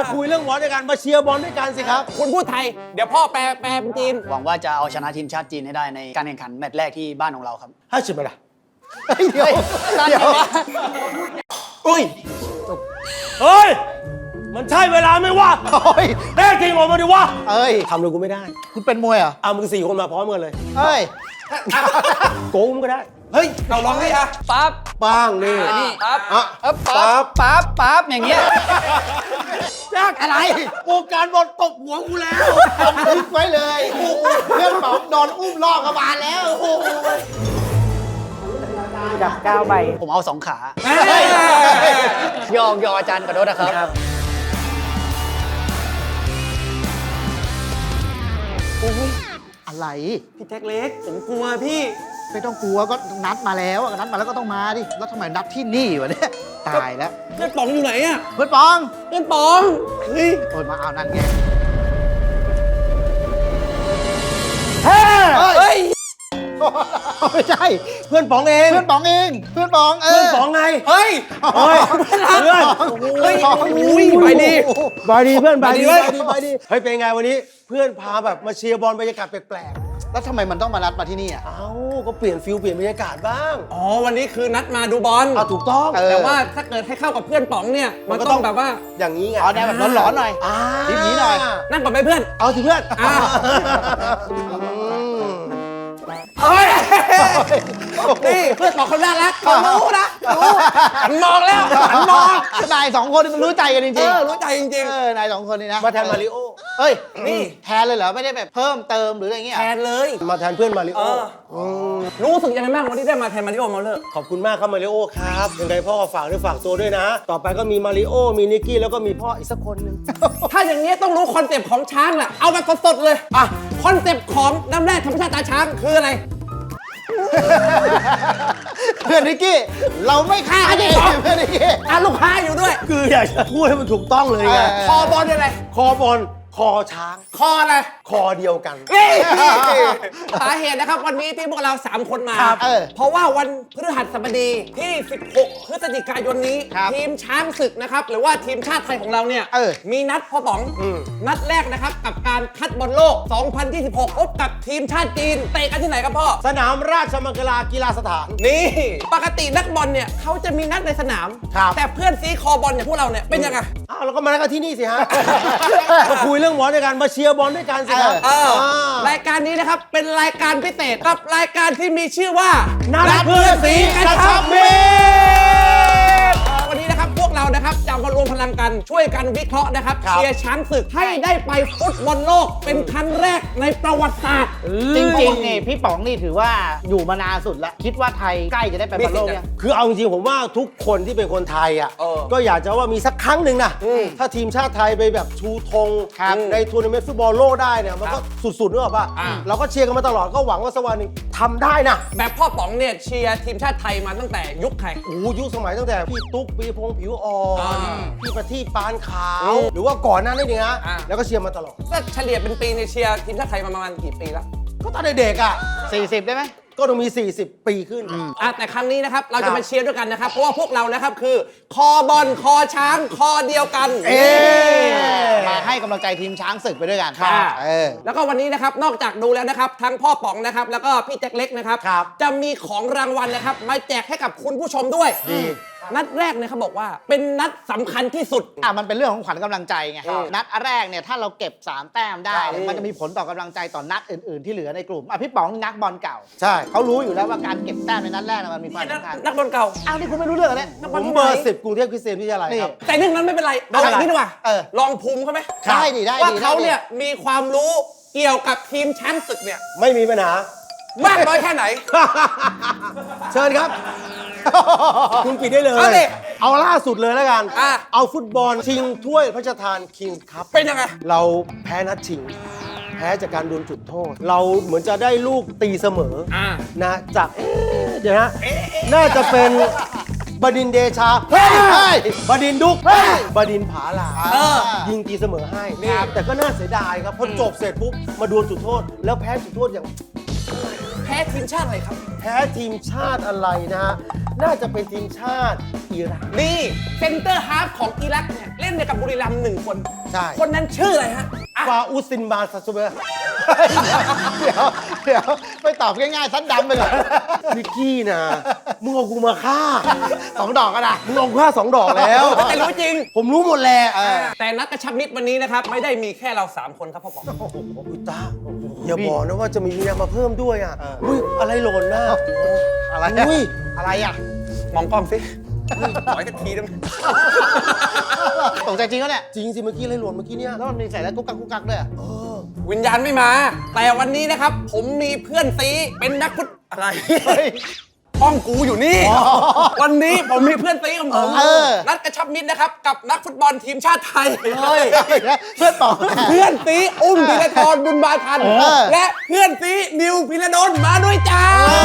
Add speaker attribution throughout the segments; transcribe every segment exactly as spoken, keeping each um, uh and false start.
Speaker 1: คุยเรื่องบอลด้วยกันมาเชียร์บอลด้วยกันสิครับ
Speaker 2: คุณพูดไทยเดี๋ยวพ่อแปลแปลเป็นจีน
Speaker 3: หวังว่าจะเอาชนะทีมชาติจีนให้ได้ในการแข่งขันแมตช์แรกที่บ้านของเราครับ
Speaker 1: ห้าสิบไปละเดี๋ยวเดี๋ยวอุ้ยเฮ้ยมันใช่เวลาไหมวะแน่จริงออกมาดิวะ
Speaker 4: เอ้ย
Speaker 1: ทำเลยกูไม่ได้
Speaker 4: คุณเป็นมวยเหรอ
Speaker 1: เอามึงสี่คนมาพร้อมกันเลย
Speaker 4: เฮ้ย
Speaker 1: โกงก็ได้
Speaker 2: เฮ้ยเราลองให้อะปั๊บ
Speaker 1: บ้างนี่
Speaker 2: นี่ปั๊บ
Speaker 1: อ่ะ
Speaker 2: ปั๊บปั๊บปั๊บอย่างเงี้ย
Speaker 1: ยากอะไรวงการบอลตบหัวกูแล้ว
Speaker 4: คิดไว้เลยเพื่อนป๋องโดนอุ้มล่อกระบาลแล้ว
Speaker 2: จับก้าวใบ
Speaker 3: ผมเอาสองขาหยอกหยอกอาจารย์ขอโทษนะครับ
Speaker 4: อะไร
Speaker 2: พี่แจ็คเล็กผมกลัวพี่
Speaker 4: ไม่ต้องกลัวก็นัดมาแล้วนัดมาแล้วก็ต้องมาดิแล้วทำไมนัดที่นี่วะเนี่ยตายแล้ว
Speaker 2: เพื่อนป๋องอยู่ไหนอะ
Speaker 4: เพื่อนปอง
Speaker 2: เพื่อนป๋องเฮ้ย
Speaker 4: โอนมาเอานั่นไง
Speaker 1: เฮ้ย
Speaker 4: ไม่ใช่
Speaker 1: เพื่อนป๋องเอง
Speaker 4: เพื่อนป๋องเองเพื่อนป๋องเออ
Speaker 1: เพื่อนป๋องไง
Speaker 2: เฮ้ย
Speaker 1: เฮ้ยเพื่อน
Speaker 2: เฮ้ยอุ้ยไปดี
Speaker 1: ไปดีเพื่อนไปดีไปดีไปดีเฮ้ยเป็นไงวันนี้เพื่อนพาแบบมาเชียร์บอลบรรยากาศแปลก
Speaker 4: ๆแล้วทำไมมันต้องมานัดมาที่นี่อ่ะ
Speaker 1: เอ้าก็เปลี่ยนฟิลเปลี่ยนบรรยากาศบ้าง
Speaker 2: อ๋อวันนี้คือนัดมาดูบอล
Speaker 1: อ่ะถูกต้อง
Speaker 2: แต่ว่าถ้าเกิดให้เข้ากับเพื่อนป๋องเนี่ยมันก็ต้องแบบว่า
Speaker 1: อย่างนี้ไง
Speaker 4: เอาแนวแบบร้อนๆหน่อยทีนี้หน่อย
Speaker 2: นั่งก่อนไปเพื่อน
Speaker 1: เอาสิเพื่อน
Speaker 2: เฮ้ยนี่เพื่อนบอกคนน่ารักเขารู้นะรู้หันมองแล้วหันมอง
Speaker 4: นายสองคนมันรู้ใจกันจริงๆเอ
Speaker 2: อรู้ใจจริง
Speaker 4: ๆเออนายสองคนนี่นะ
Speaker 1: มาแทนมาริโอ
Speaker 4: เฮ้ยนี่แทนเลยเหรอไม่ได้แบบเพิ่มเติมหรืออะไรเงี้ย
Speaker 2: แทนเลย
Speaker 1: มาแทนเพื่อนมาริโอ
Speaker 2: รู้สึกยังไงบ้างวันที่ได้มาแทนมาริโอมาเลอร์
Speaker 1: ขอบคุณมากครับมาริโอครับยังไงพ่อฝากด้วยฝากตัวด้วยนะต่อไปก็มีมาริโอมีนิกกี้แล้วก็มีพ่ออีกสักคนนึง
Speaker 2: ถ้าอย่างนี้ต้องรู้คอนเซปต์ของช้างแหละเอาแบบสดๆเลยอ่ะคอนเซปต์ของน้ำแร่ธรรมชาติตาช้างคืออะไร
Speaker 4: เพื่อนนิกกี้เราไม่ฆ่ากันเองเพื่อนนิกกี้
Speaker 2: อ่ะลูกค้าอยู่ด้วย
Speaker 1: คืออยากจะพูดให้มันถูกต้องเลยไง
Speaker 2: คอบอลอะไร
Speaker 1: คอบอลคอช้าง
Speaker 2: คออะไร
Speaker 1: คอเดียวกัน
Speaker 2: สาเหตุนะครับวันนี้ที่พวกเราสามคนมาเพราะว่าวันพฤหัสบดีที่สิบหกพฤศจิกายนนี้ทีมช้างศึกนะครับหรือว่าทีมชาติไทยของเราเนี่ยมีนัดพ่อป๋องนัดแรกนะครับกับการคัดบอลโลกสองพันยี่สิบหกพบกับทีมชาติจีนเตะกันที่ไหนครับพ่อ
Speaker 1: สนามราชมังคลากีฬาสถาน
Speaker 2: นี่ปกตินักบอลเนี่ยเขาจะมีนัดในสนามแต่เพื่อนซีคอบอลอย่างพวกเราเนี่ยเป็นยังไง
Speaker 1: อ้าวเราก็มานัดกันที่นี่สิฮะมาคุยเรื่องบอลด้วยกันมาเชียร์บอลด้วยกันสิครับ
Speaker 2: รายการนี้นะครับเป็นรายการพิเศษกับรายการที่มีชื่อว่า
Speaker 1: นัดเพื่อนสีกระชับมิตร
Speaker 2: วันนี้นะครับพวกเรานะครับจะมารวมพลังกันช่วยกันวิเคราะห์นะครับเชียร์ช้างศึกให้ได้ไปฟุตบอลโลกเป็นครั้งแรกในประวัติศาสตร์
Speaker 4: จริงๆนี่พี่ป๋องนี่ถือว่าอยู่มานานสุดแล้วคิดว่าไทยใกล้จะได้ไปบอลโลกยัง
Speaker 1: คือเอาจริงๆผมว่าทุกคนที่เป็นคนไทยอ่ะก็อยากจะว่ามีสักครั้งหนึ่งนะถ้าทีมชาติไทยไปแบบชูธงในทัวร์นาเมนต์ฟุตบอลโลกได้เนี่ยมันก็สุดๆนึกออกป่ะเราก็เชียร์กันมาตลอดก็หวังว่าสักวันหนึ่งทำได้นะ
Speaker 2: แบบพ่อป๋องเนี่ยเชียร์ทีมชาติไทยมาตั้งแต่ยุคใคร
Speaker 1: โอ้ยุคสมัยตั้งแต่พี่ตุ๊กปีพงษ์ผิวอ่อนพี่ประทีปปานขาวหรือว่าก่อนหน้านี้นะแล้วก็เชียร์มาตลอด
Speaker 2: ก็เฉลี่ยเป็นปีในเชียร์ทีมชาติไทยมาประมาณกี่ปีแล้ว
Speaker 1: ก็ตอนเด็กๆอ่ะ
Speaker 4: สี่สิบได้ไหม
Speaker 1: ก็ต้องมีสี่สิบปีขึ้น
Speaker 2: อ่ะแต่ครั้งนี้นะครับเราจะมาเชียร์ด้วยกันนะครับเพราะว่าพวกเรานะครับคือคอบอลคอช้างคอเดียวกัน
Speaker 4: เอมาให้กำลังใจทีมช้างศึกไปด้วยกัน
Speaker 2: ครับเออแล้วก็วันนี้นะครับนอกจากดูแล้วนะครับทั้งพ่อป๋องนะครับแล้วก็พี่แจ็คเล็กนะครับจะมีของรางวัลนะครับมาแจกให้กับคุณผู้ชมด้วยนัดแรกเนี่ยเขาบอกว่าเป็นนัดสำคัญที่สุด
Speaker 4: อ่ะมันเป็นเรื่องของขวัญกำลังใจไงนัดแรกเนี่ยถ้าเราเก็บสามแต้มได้มันจะมีผลต่อกำลังใจต่อนัดอื่นๆที่เหลือในกลุ่มอ่ะพี่ป๋องนักบอลเก่า
Speaker 1: ใช่
Speaker 4: เขารู้อยู่แล้วว่าการเก็บแต้มในนัดแรกมันมีความสำคัญ
Speaker 2: นักบอลเก่า
Speaker 4: อ้าวนี่คุณไม่รู้เรื่องเลย
Speaker 1: ผมเบอร์สิบกรุงเทพคริสเตียนวิทยาลัยครับ
Speaker 2: แต่เรื่องนั้นไม่เป็นไรเอาอย่างนี้ดีกว่าลองภูมิเขาไหม
Speaker 4: ได้ดีได้
Speaker 2: ว่าเขาเนี่ยมีความรู้เกี่ยวกับทีมช้างศึกเนี่ย
Speaker 1: ไม่มีปัญหาม
Speaker 2: ากน้อยแค่ไหน
Speaker 1: เชิญครับคุณปิดได้เลยเอาล่าสุดเลยแล้วกันเอาฟุตบอลชิงถ้วยพระราชทานคิงส์คัพ
Speaker 2: เป็นยังไง
Speaker 1: เราแพ้นัดชิงแพ้จากการโดนจุดโทษเราเหมือนจะได้ลูกตีเสมอนะจากเดี๋ยวนะน่าจะเป็นบดินเดชาเฮ้ยบดินดุกบดินผาลายิงตีเสมอให้แต่ก็น่าเสียดายครับพอจบเสร็จปุ๊บมาโดนจุดโทษแล้วแพ้จุดโทษอย่าง
Speaker 2: แพ้ทีมชาติอะไรครับ
Speaker 1: แพ้ทีมชาติอะไรนะน่าจะเป็นทีมชาติอิรัก
Speaker 2: นี่เซนเตอร์ฮาล์ฟของอิรักเนี่ยเลล่นในกับบุรีรัมย์หนึ่งคน
Speaker 1: ใช่
Speaker 2: คนนั้นชื่ออะไรฮะอ่ะ
Speaker 1: ฟาอุซินบาซาซูเบอร์
Speaker 4: เดี๋ยวเดี๋ยวไม่ตอบง่ายๆซัดดำไปเลย
Speaker 1: นิกกี้นะมึงเอากูมาฆ่า
Speaker 4: สองดอกก็ได้
Speaker 1: มึงเอากูฆ่าสองดอกแล้ว
Speaker 2: แต่รู้จริง
Speaker 1: ผมรู้หมดแหละ
Speaker 2: แต่นัดกระชับมิตรวันนี้นะครับ ไม่ได้มีแค่เรา สาม คนครับพ่อป๋อง
Speaker 1: อุยตาอย่าบอกนะว่าจะมีเมียมาเพิ่มด้วยอ่ะอุ้ยอะไรหล่นนะ
Speaker 4: อะไร
Speaker 1: อุ้ย
Speaker 4: อะไรอ่ะ
Speaker 2: มองกล้องสิขออีกทีได้ไหม
Speaker 4: ตกใจจริงแล้วเนี่ย
Speaker 1: จริงสิเมื่อกี้อะไรหล่นเมื่อกี้เนี่ย
Speaker 4: แล้วมันมีใส่แล้วกุ๊กกักกุ๊กกักด้วยอะ
Speaker 1: เออ
Speaker 2: วิญญาณไม่มา แต่วันนี้นะครับ ผมมีเพื่อนซีเป็นนักฟุตอะไร ห้องกูอยู่นี่ วันนี้ผมมีเพื่อนซีของผม
Speaker 4: เออ
Speaker 2: นัดกระชับมิตรนะครับ กับนักฟุตบอลทีมชาติไทย
Speaker 1: เฮ้ย
Speaker 4: เพื่อนป๋อง
Speaker 2: เพื่อนซีอุ้มธีรทรบุญบาทัน
Speaker 4: เออ
Speaker 2: และเพื่อนซีนิวพิรดลมาด้วยจ้า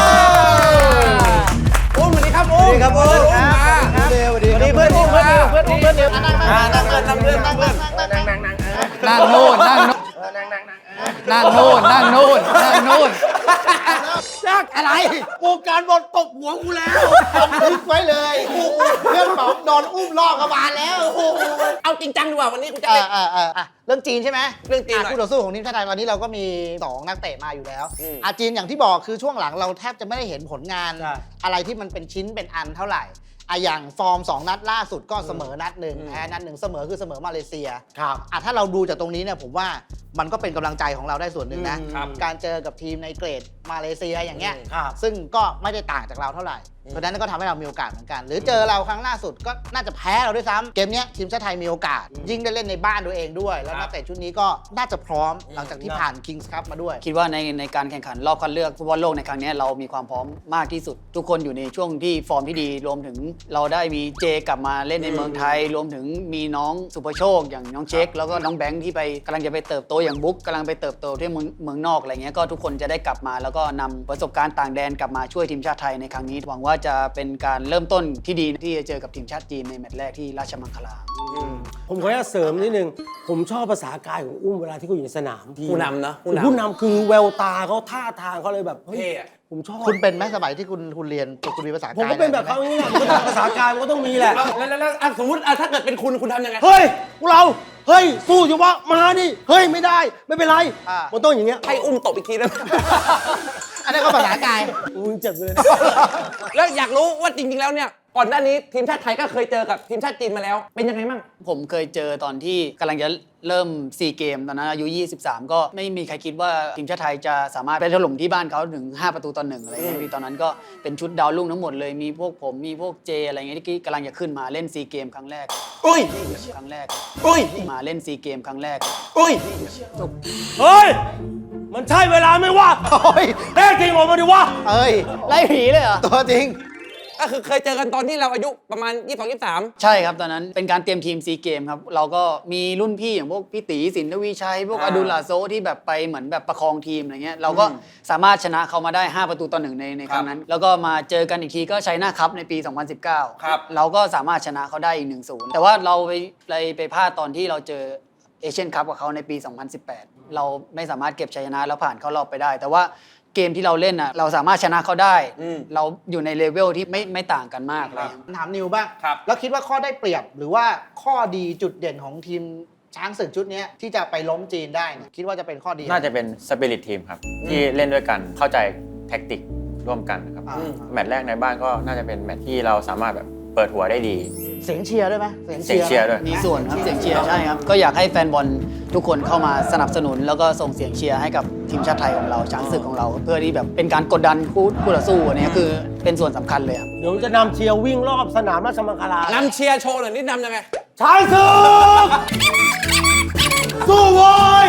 Speaker 2: อุ้มสวัสดีครับอุ้ม
Speaker 1: สวัสดีครับอุ้ม
Speaker 2: เพื่อนอุ้มมา
Speaker 1: เดี๋ยวสวัสดีครับ
Speaker 2: เพื่อนอุ้มมาเพื่อนอุ้มเพื่อนนิว
Speaker 4: นั่งนั่งนั่งนั่งนั่งนั่งนั่งนั่งนั่งนั่ง
Speaker 3: นั่งโน่นนั่งโน่นนั่งโน่นนั่งโน่นนั่งโน่น
Speaker 1: จักอะไรวงการบอลตบหัวกูแล้ว
Speaker 4: บันทึกไว้เลยเพื่อนป๋องโดนอุ้มลอกกระบาลแล้ว
Speaker 2: เอาจริงจังดีกว่าวันนี้กูจะ
Speaker 4: เอ
Speaker 2: เล่
Speaker 4: อน เออเอออ่ะเรื่องจีนใช่ไหม
Speaker 2: เรื่องจีนหน่อย
Speaker 4: คู่ต่อสู้ของทีมชาติไทยตอนนี้เราก็มีสองนักเตะมาอยู่แล้ว
Speaker 2: อืม
Speaker 4: อาจีนอย่างที่บอกคือช่วงหลังเราแทบจะไม่ได้เห็นผลงาน
Speaker 1: ใช่
Speaker 4: อะไรที่มันเป็นชิ้นเป็นอันเท่าไหร่อะอย่างฟอร์มสองนัดล่าสุดก็เสมอนัดหนึ่งแพ้นัดหนึ่งเสมอคือเสมอมาเลเซีย
Speaker 1: ครับ
Speaker 4: อ่ะถ้าเราดูจากตรงนี้เนี่ยผมว่ามันก็เป็นกำลังใจของเราได้ส่วนหนึ่งนะ
Speaker 1: อืมครับ
Speaker 4: การเจอกับทีมในเกรดมาเลเซียอย่างเงี้ย
Speaker 1: ครับ
Speaker 4: ซึ่งก็ไม่ได้ต่างจากเราเท่าไหร่ เพราะฉะนั้นก็ทำให้เรามีโอกาสเหมือนกัน หรือเจอเราครั้งล่าสุดก็น่าจะแพ้เราด้วยซ้ำเกมเนี้ยทีมชาติไทยมีโอกาส ยิ่งได้เล่นในบ้านตัวเองด้วย แล้วนักเตะชุดนี้ก็น่าจะพร้อมหลังจากที่ผ่าน Kings Cup มาด้วย
Speaker 3: คิดว่าในในการแข่งขันรอบคัดเลือกฟุตบอลโลกในครั้งนี้เรามีความพร้อมมากที่สุด ทุกคนอยู่ในช่วงที่ฟอร์มที่ดีรวมถึงเราได้มีเจกลับมาเล่นในเมืองไทย รวมถึงมีน้องสุภโชค อย่างน้องเช็คแล้วก็น้องแบงค์ที่ไปกำลังจะไปเติบโตอย่างบุ๊กกำลังไปเติบโตที่เมืองเมืองนอกอะไรเงี้ยก็ทุกคนจะได้กลับมาแล้วก็นำประสบการณ์ต่างแดนกลับมาช่วยทีมชาติไทยในครั้งนี้หวังว่าจะเป็นการเริ่มต้นที่ดีที่จะเจอกับทีมชาติจีนในแมตช์แรกที่ราชมังคลา
Speaker 1: ผมขออนุญาตเสริมนิดนึง ผมชอบภาษากายของอุ้มเวลาที่เขาอยู่ในสนาม
Speaker 2: ผู้นำเนอะผู้นำ
Speaker 1: ผู้นำคือแววตาเขาท่าทางเขาเลยแบบเฮ้ย
Speaker 2: เท่อะ
Speaker 1: ผมชอบ
Speaker 4: คุณเป็นไหมสมัยที่คุณคุณเรียนคุณมีภาษากาย
Speaker 1: ผมก็เป็นแบบเขาอย่างนี้แหละมันก็ต้องภาษากายมันก็ต้องมีแหละ
Speaker 2: แล้วแล้วแล้วอ่ะสมมติอ่ะถ้าเกิดเป็นคุณคุณทำยังไง
Speaker 1: เฮ้ยพวกเรา เฮ้ย สู้อยู่วะมาดิ เฮ้ย ไม่ได้ ไม่เป็นไร
Speaker 4: อ่า
Speaker 1: มันต้องอย่างเงี้ย
Speaker 2: ให้อุ้มตบอีกทีแล้ว
Speaker 4: อันนี้นก็ภาษากาย
Speaker 1: มึงเจ็บเลย
Speaker 2: แล้วอยากรู้ว่าจริงๆแล้วเนี่ยก่อนหน้านี้ทีมชาติไทยก็เคยเจอกับทีมชาติจีนมาแล้ว เป็นยังไงมั่ง
Speaker 3: ผมเคยเจอตอนที่กำลังจะเริ่มซีเกมตอนนั้นอายุยี่สิบสามก็ไม่มีใครคิดว่าทีมชาติไทยจะสามารถไปถล่มที่บ้านเขาถึงห้าประตูต่อหนึ่งอะไรเงี้ยพี่ตอนนั้นก็เป็นชุดดาวรุ่งทั้งหมดเลยมีพวกผมมีพวกเจอะไรเงี้ยที่กำลังจะขึ้นมาเล่นซีเกมครั้งแรก
Speaker 2: อุ้ย
Speaker 3: ครั้งแรก
Speaker 2: อุ้ย
Speaker 3: มาเล่นซีเกมครั้งแรก
Speaker 2: อุ้ย
Speaker 1: เฮ้ย มันใช่เวลาไหมวะ
Speaker 4: โอ้ย
Speaker 1: แน่จริงออกมาดิวะ
Speaker 4: เอ้ย
Speaker 3: ไล่ผีเลยเหรอ
Speaker 4: ตัวจริง
Speaker 2: ก็คือเคยเจอกันตอนที่เราอายุประมาณยี่สิบสอง ยี่สิบสาม
Speaker 3: ใช่ครับตอนนั้นเป็นการเตรียมทีมซีเกมครับเราก็มีรุ่นพี่อย่างพวกพี่ตีสินทวีชัยพวกอดุลลาโซที่แบบไปเหมือนแบบประคองทีมอะไรเงี้ยเราก็สามารถชนะเขามาได้ห้าประตูต่อหนึ่งในในครั้งนั้น แล้วก็มาเจอกันอีกทีก็ชัยนาคัพในปี สองพันสิบเก้า
Speaker 2: ครับ
Speaker 3: เราก็สามารถชนะเขาได้อีก หนึ่งศูนย์ แต่ว่าเราไปไปไปพลาดตอนที่เราเจอเอเชียนคัพกับเขาในปี สองพันสิบแปด เราไม่สามารถเก็บชัยชนะแล้วผ่านเข้ารอบไปได้ แต่ว่าเกมที่เราเล่นน่ะเราสามารถชนะเขาได้ เราอยู่ในเลเวลที่ไม่ไม่ต่างกันมากเลย
Speaker 4: ถามนิวบ้าง
Speaker 2: ครับ
Speaker 4: แล้วคิดว่าข้อได้เปรียบหรือว่าข้อดีจุดเด่นของทีมช้างศึกชุดเนี้ยที่จะไปล้มจีนได้เนี่ยคิดว่าจะเป็นข้อดี
Speaker 5: น่าจะเป็นสปิริตทีมครับ ที่เล่นด้วยกันเข้าใจแท็กติกร่วมกันนะครับ
Speaker 4: อ่า
Speaker 5: แมตช์แรกในบ้านก็น่าจะเป็นแมตช์ที่เราสามารถแบบเปิดหัวได้ดี
Speaker 4: เสียงเชียร์ด้วยไหม
Speaker 5: เสียงเชียร์ด้วย
Speaker 3: มีส่วนครับเสียงเชียร์ใช่ครับก็อยากให้แฟนบอลทุกคนเข้ามาสนับสนุน แล้วก็ส่งเสียงเชียร์ให้กับทีมชาติไทยของเราช้างศึกของเรา เพื่อที่แบบเป็นการกดดันคู่คู่ต่อสู้อันนี้คือเป็นส่วนสำคัญเลยครับ
Speaker 1: เดี๋ยวจะนำเชียร์วิ่งรอบสนามราชมังคลาน
Speaker 2: ำเชียร์โชว์หน่อยนี่นำยังไง
Speaker 1: ชายศึกสู้โว้ย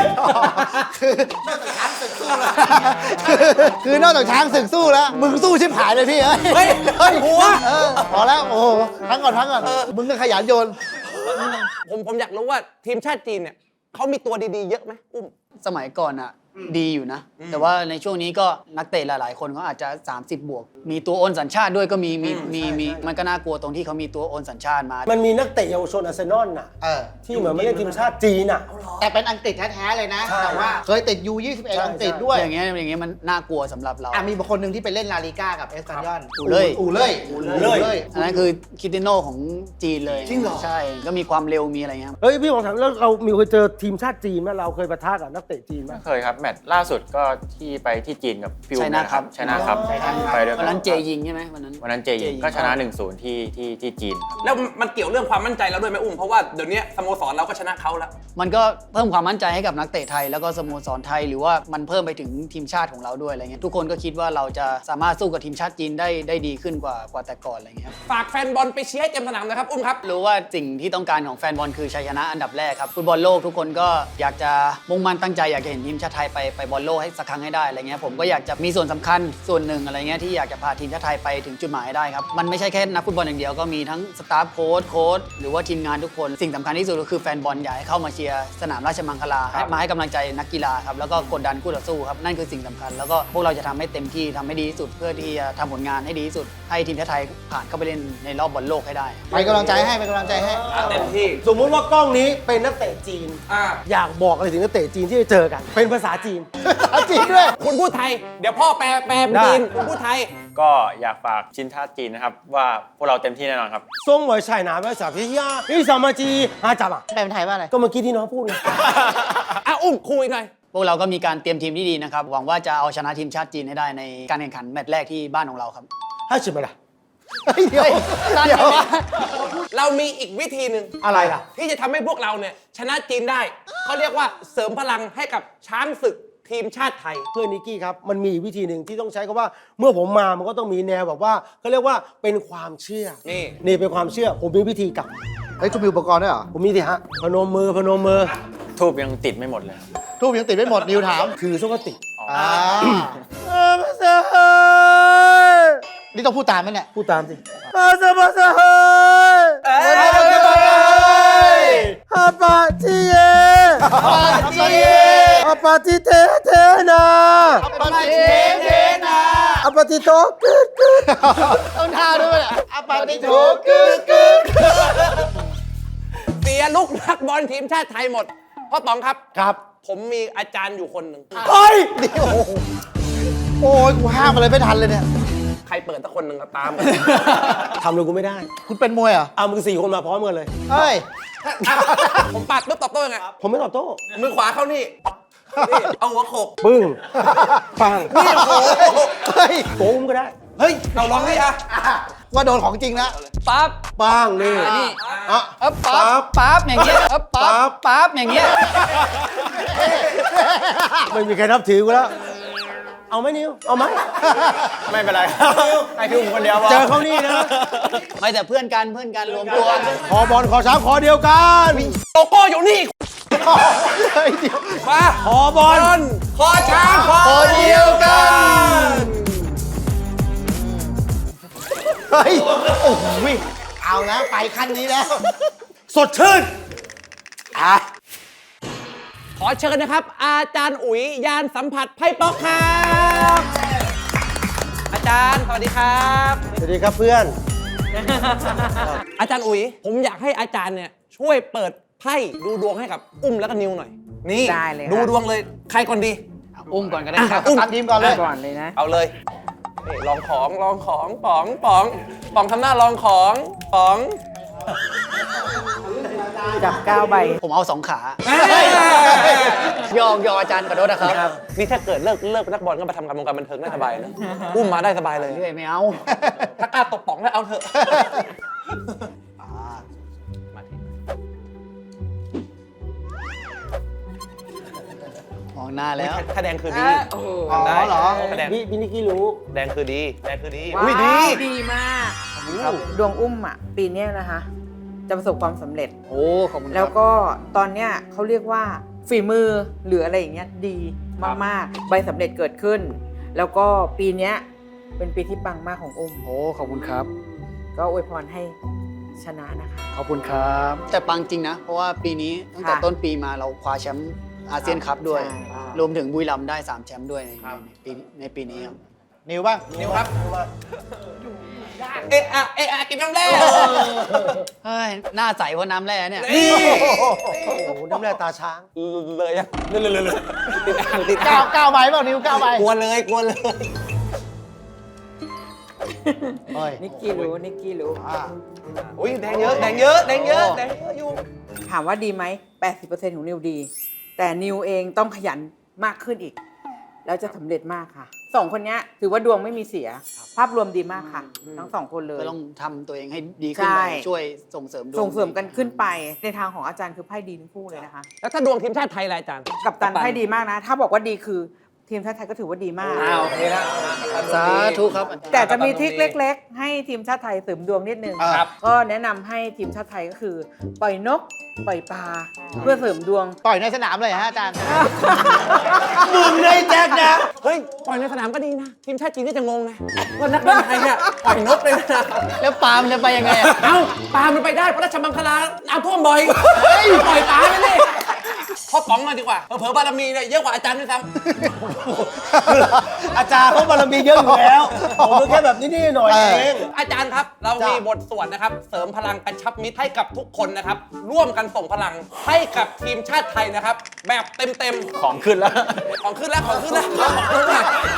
Speaker 4: คือนอกจากช้างศึกสู้แล้ว มึงสู้ชิบหายเลยพี่เอ้ย
Speaker 2: เฮ้ยเฮ้ยหัว
Speaker 4: เออพอแล้วโอ้โหพักก่อนพักก่อนมึงก็ขยันโยน
Speaker 2: ผมผมอยากรู้ว่าทีมชาติจีนเนี่ยเขามีตัวดีๆเยอะไหมอุ้ม
Speaker 3: สมัยก่อนอ่ะดีอยู่นะ แต่ว่าในช่วงนี้ก็นักเตะหลายๆ คนเขาอาจจะ สามสิบ บวก มีตัวโอนสัญชาติด้วยก็มีมีมีมีมันก็น่ากลัวตรงที่เขามีตัวโอนสัญชาติมา
Speaker 1: มันมีนักเตะเยาวชนอาร์เซนอลน่ะ
Speaker 4: เออ
Speaker 1: ที่เหมือนไม่ได้ทีมชาติจีนน่ะ
Speaker 4: แต่เป็นอังกฤษแท้ๆเลยนะ
Speaker 1: ใช่
Speaker 4: แต่ว่าเคยติด ยู ยี่สิบเอ็ด
Speaker 1: ใช่
Speaker 4: อังกฤษด้วย
Speaker 3: อย่างเงี้ยอย่างเงี้ยมันน่ากลัวสำหรับเรา
Speaker 4: อ่ะมีบางคนหนึ่งที่ไปเล่นลาลิก้ากับเอสปันยอน
Speaker 3: อูเล่ย
Speaker 4: อูเล่ย
Speaker 1: อูเล่ย
Speaker 3: อันนั้นคือคริสเตียโนของจีนเลย
Speaker 1: จริงเหรอ
Speaker 3: ใช่ก็มีความเร็วมีอะไรเงี้ย
Speaker 1: เฮ้ยพี่บอกถามแล้วเรามีเคยเจอทีมชาติจีนไหมเราเคยปะทะกับนักเตะจีนไหม
Speaker 5: เคยครับ แมตช์ล่าสุดก็ที่ไปที่จีนกับฟิว
Speaker 3: ชัยนาทครับ
Speaker 5: ชนะครับไปด้วย
Speaker 3: วันนั้นเจยิงใช่ไหมวันนั้น
Speaker 5: วันนั้นเจยิงก็ชนะ หนึ่งศูนย์ ที่ที่ที่จีนครับ
Speaker 2: แล้วมันเกี่ยวเรื่องความมั่นใจเราด้วยไหมอุ้มเพราะว่าเดี๋ยวนี้สโมสรเราก็ชนะเขาแล้ว
Speaker 3: มันก็เพิ่มความมั่นใจให้กับนักเตะไทย แล้วก็สโมสรไทยหรือว่ามันเพิ่มไปถึงทีมชาติของเราด้วยอะไรเงี้ยทุกคนก็คิดว่าเราจะสามารถสู้กับทีมชาติจีนได้ได้ดีขึ้นกว่ากว่าแต่ก่อนอะไรเงี้ยครับ
Speaker 2: ฝากแฟนบอลไปเชียร์ให้เต็มสนามนะครับอุ้มครับ
Speaker 3: รู้ว่าสิ่งที่ต้องการของแฟนบอลคือชัยชนะอันดับแรกครับฟุตบอลโลกทุกคนก็อยากจะมุ่งมั่นตั้งใจอยากจะเห็นทีมชาติไทยไปไปบอลโลกให้สักครั้งให้ได้อะไรเงี้ยผมก็อยากจะมีส่วนสำคัญส่วนหนึ่งอะไรเงี้ยที่อยากจะพาทีมชาติไทยไปถึงจุดหมายให้ได้ครับมันไม่ใช่แค่นักฟุตบอลอย่างเดียวก็มีทั้งสตาฟโค้ชโค้ชหรือว่าทีมงานทุกคนสิ่งสำคัญที่สุดก็คือแฟนบอลอยากให้เข้ามาเชียร์สนามราชมังคลาให้มาให้กำลังใจนักกีฬาครับแล้วก็กดดันคู่ต่อสู้ครับนั่นคือสิ่งสำคัญแล้วก็พวกเราจะทำให้เต็มที่ทำให้ดีที่สุดเพื่อที่จะทำผลงานให้ดีที่สุดให้ทีมชาติไทยผ่านเข้าไปเล่นในรอบบอลโลกให้ได้
Speaker 4: ไปกำลังใจให้ไปกำลังใจให้
Speaker 2: เต็มที่
Speaker 1: สมมุติว่ากล้องนี้เป็นนักเตะจีน
Speaker 2: อ่า
Speaker 1: อยากบอกอะไรถึงนักเตะจีนที่จะเจอกัน เป็นภาษาจีน
Speaker 4: จริงด้วย
Speaker 2: คุณพูดไทย เดี๋ยวพ่อแปลแปลเป็น
Speaker 1: ได้
Speaker 2: จีนคุณพูดไทย
Speaker 5: ก็อยากฝากชินชาติจีนนะครับว่าพวกเราเต็มที่แน่นอนครับ
Speaker 1: ส่งไว้ใช่หนาภาษาพิยาพี่สามาจีอาจับอ่ะ
Speaker 4: แปลเป็นไทยว่าอะไร
Speaker 1: ก็เมื่อกี้ที่น้องพูดไง
Speaker 2: อ่ะอุ้มคุยหน่อย
Speaker 3: พวกเราก็มีการเตรียมทีมที่ดีนะครับหวังว่าจะเอาชนะทีมชาติจีนให้ได้ในการแข่งขันแมตช์แรกที่บ้านของเราครับ
Speaker 1: ให้ชิมอะไร
Speaker 4: เดี๋ยว
Speaker 3: นั่น
Speaker 4: เดี๋ยว
Speaker 3: ไง
Speaker 2: เรามีอีกวิธีหนึ่ง
Speaker 1: อะไรล่ะ
Speaker 2: ที่จะทำให้พวกเราเนี่ยชนะจีนได้เขาเรียกว่าเสริมพลังให้กับช้างศึกทีมชาติไทย
Speaker 1: เพื่อนนิกกี้ครับ มันมีวิธีหนึ่งที่ต้องใช้คำว่า เมื่อผมมามันก็ต้องมีแนวแบบว่าเขาเรียกว่าเป็นความเชื่อ
Speaker 2: นี่
Speaker 1: นี่เป็นความเชื่อ ผมมีวิธีกลับ
Speaker 4: เฮ้ยคุณมีอุปกรณ์ด้วยเหรอ
Speaker 1: ผมมีสิฮะ พนมมือพนมมือ
Speaker 5: ทูบยังติดไม่หมดเลยครับ
Speaker 4: ทูบยังติดไม่หมดนิวถาม
Speaker 1: ถือส้กติ
Speaker 4: อ่า
Speaker 1: ภาษาไทย
Speaker 4: นี่ต้องพูดตามไหมเนี่ย
Speaker 1: พูดตามสิภาษาภาษาไทย
Speaker 2: เอ้ย
Speaker 1: อาปาจิเย
Speaker 4: ปาจิเย
Speaker 1: อาปาติเทเทนา
Speaker 4: ปาจิเทนา
Speaker 1: อาปาติโตกึดกึด
Speaker 4: ต้องท่าด้วยอาปาติโถกึกกึก
Speaker 2: เสียลูกนักบอลทีมชาติไทยหมดพ่อต๋องครับ
Speaker 1: ครับ
Speaker 2: ผมมีอาจารย์อยู่คนหนึ่ง
Speaker 1: เฮ้ย
Speaker 4: โอ้ยกูห้ามอะไรไม่ทันเลยเนี่ย
Speaker 2: ใครเปิดสักคนหนึ่งก็ตาม
Speaker 1: ทำเลยกูไม่ได้
Speaker 4: คุณเป็นมวยเหรอ
Speaker 1: เอามึงสี่คนมาพร้อมกันเลย
Speaker 4: เฮ้ย
Speaker 2: ผมปัดปุ๊บตอบโต้ยังไง
Speaker 1: ผมไม่ตอบโต้
Speaker 2: มือขวาเข้านี่นี่เอาหัวโขก
Speaker 1: ปึ้ง ปัง
Speaker 2: นี่โอ้โห
Speaker 4: เฮ้ย
Speaker 1: โกงก็ได้
Speaker 2: เฮ้ยเราลองให้อะ
Speaker 4: ว่าโดนของจริงแล้ว
Speaker 3: ปั๊บ
Speaker 1: ปังนี่
Speaker 3: นี่
Speaker 1: อ่ะ
Speaker 3: เออปั๊บปั๊บอย่างเงี้ยเออปั๊บปั๊บอย่างเงี้ย
Speaker 1: ไม่มีใครนับถือกูแล้ว เอาไหมนิว เอาไหม
Speaker 5: ไม่เป็นไรครับให้พี่อุ้มคนเดียวพอ
Speaker 1: เจอเขานี่นะ
Speaker 3: ไม่แต่เพื่อนกันเพื่อนกันรวมตัว
Speaker 1: ขอบอลขอช้างขอเดียวกัน
Speaker 2: โลโก้อยู่นี่
Speaker 4: เฮ้ยเดี๋ยว
Speaker 2: มา
Speaker 1: ขอบอล
Speaker 2: บอลคอช้างคอ
Speaker 4: เดียวกัน เฮ้ย โอ้โหเอาแล้วไปขั้นนี้แล้ว
Speaker 1: สดชื่น
Speaker 4: อ่ะ
Speaker 2: ขอเชิญนะครับ อาจารย์อุ๋ยยานสัมผัสไพ่ป๊อกครับ อาจารย์สวัสดีครับ
Speaker 1: สวัสดีครับเพื่อน
Speaker 2: อาจารย์อุ๋ยผมอยากให้อาจารย์เนี่ยช่วยเปิดไพ่ดูดวงให้กับอุ้มแล้วก็นิวหน่อย นี่
Speaker 6: ได้เลยค่ะ
Speaker 2: ดูดวงเลยใครก่อนดี
Speaker 3: อุ้มก่อนก็ได้ครับ
Speaker 2: อุ้ม
Speaker 4: ตัดทีมก่อนเลย
Speaker 6: ก่อนเลยนะ
Speaker 2: เอาเลยนี่ลองของลองของป๋องป๋องป๋องทำหน้าลองของป๋อง
Speaker 6: จับเก้าใบ
Speaker 3: ผมเอาสองขาหยอกหยอกอาจารย์ขอโทษนะครับ
Speaker 2: นี่ถ้าเกิดเลิกเลิกนักบอลก็มาทำการวงการบันเทิงได้สบายนะอุ้มมาได้สบายเลย
Speaker 3: เรื่อยไม่เอา
Speaker 2: ถ้ากล้าตบป๋องแล้วเอาเถอะมาที่
Speaker 3: มองหน้าแล้ว
Speaker 2: ถ้าแดงคือดี
Speaker 6: โอ้โห
Speaker 4: อ๋อเหรอ
Speaker 2: ถ้าแดง
Speaker 1: พี่พี่นิกกี้รู้
Speaker 2: แดงคือดี แดงคือดี
Speaker 6: ว้า
Speaker 2: อุ้ยดี
Speaker 6: วดีมากครับดวงอุ้มอ่ะ ปีเนี้ยนะคะ จะประสบความสำเร็จ
Speaker 3: โอ้ขอบคุณค
Speaker 6: แล้
Speaker 3: รั
Speaker 6: ว
Speaker 3: บ
Speaker 6: ก็ตอนเนี้ยเขาเรียกว่าฝีมือหรืออะไรอย่างเงี้ยดีมากๆ ใบสำเร็จเกิดขึ้น แล้วก็ปีเนี้ยเป็นปีที่ปังมากของอุ้ม
Speaker 3: โอ้ขอบคุณครับ
Speaker 6: ก็อวยพรให้ชนะนะคะ
Speaker 3: ขอบคุณครับ แต่ปังจริงนะ เพราะว่าปีนี้ตั้งแต่
Speaker 6: ค่ะ
Speaker 3: ต้นปีมาเราคว้าแชมป์อาเซียนคัพด้วย
Speaker 6: ใช่
Speaker 3: รวมถึงบุรีรัมย์ได้สามแชมป์ด้วยในในปีในปีนี้ครับ
Speaker 4: นิวบ้าง
Speaker 2: นิวครับเอะอะเอะอะกินน้ำแร่
Speaker 3: เฮ้ยหน้าใสเพราะน้ำแร่เนี่ย
Speaker 2: นี่
Speaker 1: โอ้โหน้ำแร่ตาช้าง
Speaker 2: เลยอะเลยเลยเลยติดอ่างติด
Speaker 4: ก้า
Speaker 2: อ่าว ง
Speaker 4: ก้าวใบเปล่านิวก้าวใบ
Speaker 2: กลัวเลยกลัวเลย
Speaker 4: เฮ้ย
Speaker 6: นิกกี้รู้นิกกี้รู้
Speaker 4: อ่า
Speaker 2: อุ้ยแดงเยอะแดงเยอะแดงเยอะแดงเยอะอยู่
Speaker 6: ถามว่าดีไหม แปดสิบเปอร์เซ็นต์ ของนิวดี แต่นิวเองต้องขยันมากขึ้นอีก แล้วจะสำเร็จมากค่ะ สองคนเนี้ยถือว่าดวงไม่มีเสีย ภาพรวมดีมากค่ะ ทั้งสองคนเลย
Speaker 3: ก็ต้องทำตัวเองให้ดีขึ้น
Speaker 6: ใช่
Speaker 3: ไปช่วยส่งเสริมดวง
Speaker 6: ส่งเสริมกันขึ้นไป ในทางของอาจารย์คือไพ่ดีทั้งคู่เลยนะคะ
Speaker 2: แล้วถ้าดวงทีมชาติไทยล่ะอาจารย์
Speaker 6: กับตันไพ่ดีมากนะ ถ้าบอกว่าดีคือทีมชาติไทยก็ถือว่าดีมาก
Speaker 2: อ้าวโอเคแล้ว
Speaker 3: สาธุครับ
Speaker 6: แต่จะมีทริคเล็ก ๆ ให้ทีมชาติไทยเสริมดวงนิดนึง
Speaker 2: ครับ
Speaker 6: ก็แนะนำให้ทีมชาติไทยก็คือ ปล่อยนก ปล่อยปลาเพื่อเสริมดวง
Speaker 4: ปล่อยในสนามเลยฮะอาจารย์
Speaker 1: มึงในแจ็คนะ
Speaker 2: เฮ้ยปล่อยในสนามก็ดีนะ ทีมชาติจีนก็จะงงนะว่านักบอลไทยเนี่ยปล่อยนกเลยนะ
Speaker 3: แล้วปาล์มจะไปยังไงอะ
Speaker 2: เอ้าปลามันไปได้เพราะราชมังคลาน้ำท่วมบ่อยปล่อยปลาไปเลยพ่อป๋องมาดีกว่าเผลอๆบารมีเนี่ยเยอะกว่าอาจารย์ด้วยซ้ำ
Speaker 1: อาจารย์เขาบารมีเยอะอยู่แล้ว ผมก็แค่แบบนี้ๆหน่อยเอง
Speaker 2: อาจารย์ครับ เรามีบทสวดนะครับ เสริมพลังกระชับมิตรให้กับทุกคนนะครับ ร่วมกันส่งพลังให้กับทีมชาติไทยนะครับ แบบเต็มๆ
Speaker 5: ของขึ้นแล้ว
Speaker 2: ของขึ้นแล้วของขึ้นแล้วของขึ้นแล้ว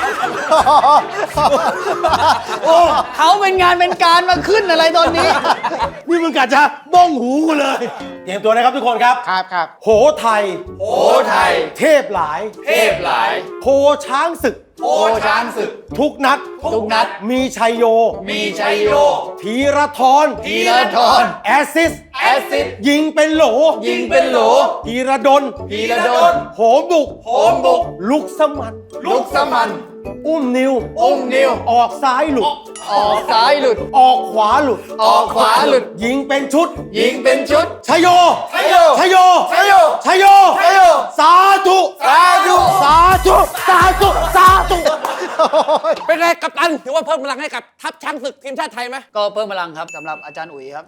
Speaker 1: โอ้
Speaker 3: เขาเป็นงานเป็นการมาขึ้นอะไรตอนนี้
Speaker 1: นี่มึงกะจะบ้องหูกูเลย เตรียมตัวนะครับทุกคนครับ
Speaker 4: ครับครับ
Speaker 1: โหไทย
Speaker 2: โอ้ไทย
Speaker 1: เทพหลาย
Speaker 2: เทพหลาย
Speaker 1: โพช้างศึก
Speaker 2: โอ้ช้างศึก
Speaker 1: ทุกนัด
Speaker 3: ทุกนัด
Speaker 1: มีชัยโย
Speaker 2: มีชัยโย
Speaker 1: ธีรทร
Speaker 2: ธีรทร
Speaker 1: แอสซิส
Speaker 2: แอสซิส
Speaker 1: ยิงเป็นโหล
Speaker 2: ยิงเป็นโหล
Speaker 1: ธีรดล
Speaker 2: ธีรดล
Speaker 1: โหมบุก
Speaker 2: โหมบุก
Speaker 1: ลุกสมัน
Speaker 2: ลุกสมัน
Speaker 1: อุ้มนิว
Speaker 2: อุ้มนิว
Speaker 1: ออกซ้ายหลุด
Speaker 3: ออกซ้ายหลุด
Speaker 1: ออกขวาหลุด
Speaker 3: ออกขวาหลุด
Speaker 1: ยิงเป็นชุด
Speaker 3: ยิงเป็นชุด
Speaker 1: ชัยโย
Speaker 2: ชัยโย
Speaker 1: ชัยโย
Speaker 2: ชัยโย
Speaker 1: ชัยโย
Speaker 2: ชัยโย
Speaker 1: สาธุ
Speaker 2: สาธุ
Speaker 1: สาธุสาธุสาธุ
Speaker 2: เป็นไงกัปตันถือว่าเพิ่มพลังให้กับทัพช้างศึกทีมชาติไทยไหม
Speaker 3: ก็เพิ่มพลังครับสำหรับอาจารย์อุ๋ยครับ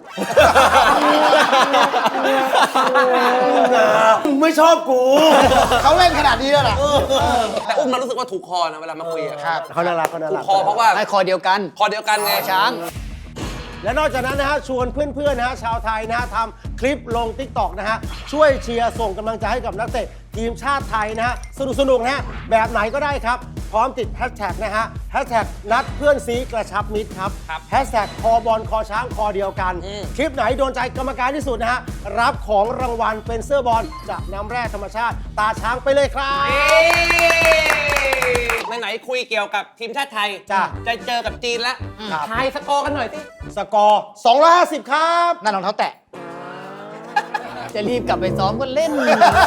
Speaker 1: มึงไม่ชอบกู
Speaker 4: เขาเล่นขนาดนี้แล้วเหรอ
Speaker 2: แต่อุ้มมันรู้สึกว่าถูกคอนะเวลามาคุยอะ
Speaker 4: ครับ
Speaker 1: เขาน่ารักเขาน่า
Speaker 2: ถู
Speaker 1: รั
Speaker 2: ก
Speaker 1: ก
Speaker 2: คอเพราะว่า
Speaker 3: ให้คอเดียวกัน
Speaker 2: คอเดียวกันไง
Speaker 3: ช้าง
Speaker 1: และนอกจากนั้นนะฮะชวนเพื่อนๆนะฮะชาวไทยนะฮะทำคลิปลง ติ๊กต็อก นะฮะช่วยเชียร์ส่งกำลังใจให้กับนักเตะทีมชาติไทยนะฮะสนุกๆนะฮะแบบไหนก็ได้ครับ พร้อมติดแฮชแท็กนะฮะแฮชแท็กนัดเพื่อนซีกระชับมิตรครับแฮชแท็กคอบอลคอช้างคอเดียวกัน คลิปไหนโดนใจกรรมการที่สุดนะฮะรับของรางวัลเป็นเสื้อบอลจากน้ำแร่ธรรมชาติตาช้างไปเลยครับ
Speaker 2: ไหนๆคุยเกี่ยวกับทีมชาติไทย
Speaker 1: จ้ะ
Speaker 2: จะเจอกับจีนแล้ว
Speaker 1: ครับ
Speaker 2: ทายสกอร์กันหน่อยสิ
Speaker 1: สกอร์สองร้อยห้าสิบครับ
Speaker 4: นั่นรองเท้าแตะ
Speaker 3: จะรีบกลับไปซ้อมก็เล่น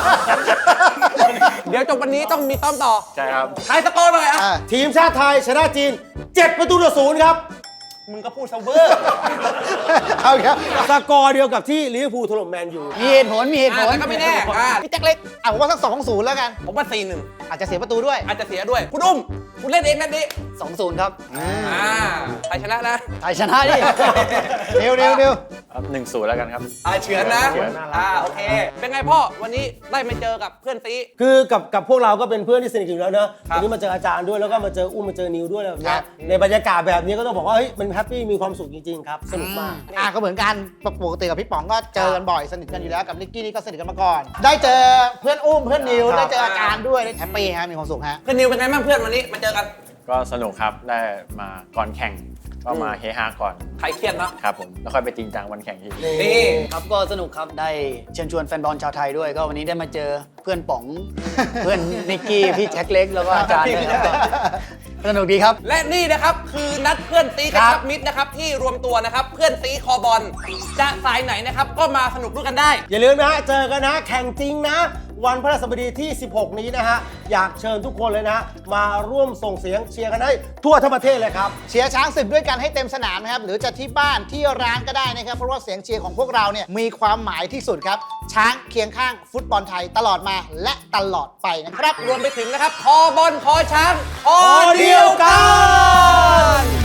Speaker 2: เดี๋ยวจบวันนี้ต้องมีซ้อมต่อ
Speaker 5: ใช่ครับ
Speaker 2: ทายสกอร์หน่อยอ่ะ
Speaker 4: อ่า
Speaker 1: ทีมชาติไทยชนะจีนเจ็ดประตูต่อศูนย์ครับ
Speaker 2: มึงก็พูดเซเวอร์
Speaker 4: เอาอีกแล้ว
Speaker 1: สกอร์เดียวกับที่ลิเวอร์พูลถล่มแมนยู
Speaker 3: มีเหตุผลมีเหตุผล
Speaker 2: แต่ก็ไม่แน่อ่ะพี่แจ็คเล็ก
Speaker 4: อ่ะผมว่าสักสองศูนย์แล้วกัน
Speaker 2: ผมว่าสี่หนึ่ง
Speaker 4: อาจจะเสียประตูด้วย
Speaker 2: อาจจะเสียด้วย คุณอุ้ม คุณเล่นเองนั่นดิ
Speaker 3: สองศูนย์ครับ
Speaker 2: อ่าใครชนะนะ
Speaker 3: ไทยชนะดิ
Speaker 4: นิวนิวนิว
Speaker 5: หนึ่งศูนย์แล้วกันครับ
Speaker 2: อ่าเฉือนนะ
Speaker 5: เฉือน
Speaker 2: อ่าโอเค เป็นไงพ่อ วันนี้ได้มาเจอกับเพื่อนซี
Speaker 1: คือกับกับพวกเราก็เป็นเพื่อนที่สนิทกันอยู่แล้วเนอะ
Speaker 2: ครับ
Speaker 1: วันนี้มาเจออาจารย์ด้วยแล้วก็มาเจออุ้มมาเจอนิวด้วยอะไรแบบ
Speaker 4: ครั
Speaker 1: เนี้ย
Speaker 4: บ
Speaker 1: ในบรรยากาศแบบนี้ก็ต้องบอกว่าเฮ้ยมันแฮปปี้มีความสุขจริงๆครับสนุกมาก
Speaker 4: อ่ะก็เหมือนกันปกติกับพี่ป๋องก็เจอกันบ่อยสนิทกันอยู่แล้วกับนิกกี้นี่ก็สนิทกันมาก่อน ได้เจอเพื่อนอุ้มเพื่อนนิว
Speaker 1: ครับ
Speaker 4: ได้เจออาจารย์ด้วยได้แฮปปี้ฮะมีความสุขฮะ
Speaker 2: เพื่อนนิวเป็นไงบ้างเพื่อนวันนี้มาเจอกัน
Speaker 5: ก็สนุกครับ ได้มาก่อนแข่ง ก็มาเฮฮาก่อน
Speaker 2: ใครเครียดเนาะ
Speaker 5: ครับผม แล้วค่อยไปจริงจังวันแข่งที่
Speaker 2: นี่
Speaker 3: ครับก็สนุกครับได้เชิญชวนแฟนบอลชาวไทยด้วย ก็วันนี้ได้มาเจอเพื่อนป๋อง เพื่อนนิกกี้พี่แจ็คเล็กแล้วก็อาจารย์ด้วยครับสนุกดีครับ
Speaker 2: และนี่นะครับคือนัดเพื่อนซีกระชับมิตรนะครับที่รวมตัวนะครับเพื่อนซีคอบอลจะสายไหนนะครับก็มาสนุกด้วยกันได้
Speaker 1: อย่าลืมนะฮะเจอกันนะแข่งจริงนะ วันพฤหัสบดีที่ สิบหก นี้นะฮะอยากเชิญทุกคนเลยนะ มาร่วมส่งเสียงเชียร์กันให้ทั่วทั้งประเทศเลยครับ
Speaker 4: เชียร์ช้างศึกด้วยกันให้เต็มสนามนะครับหรือจะที่บ้านที่ร้านก็ได้นะครับเพราะว่าเสียงเชียร์ของพวกเราเนี่ยมีความหมายที่สุดครับช้างเคียงข้างฟุตบอลไทยตลอดมาและตลอดไปนะครับ
Speaker 2: รวมไปถึงนะครับคอบอลคอช้างคอเดียวกัน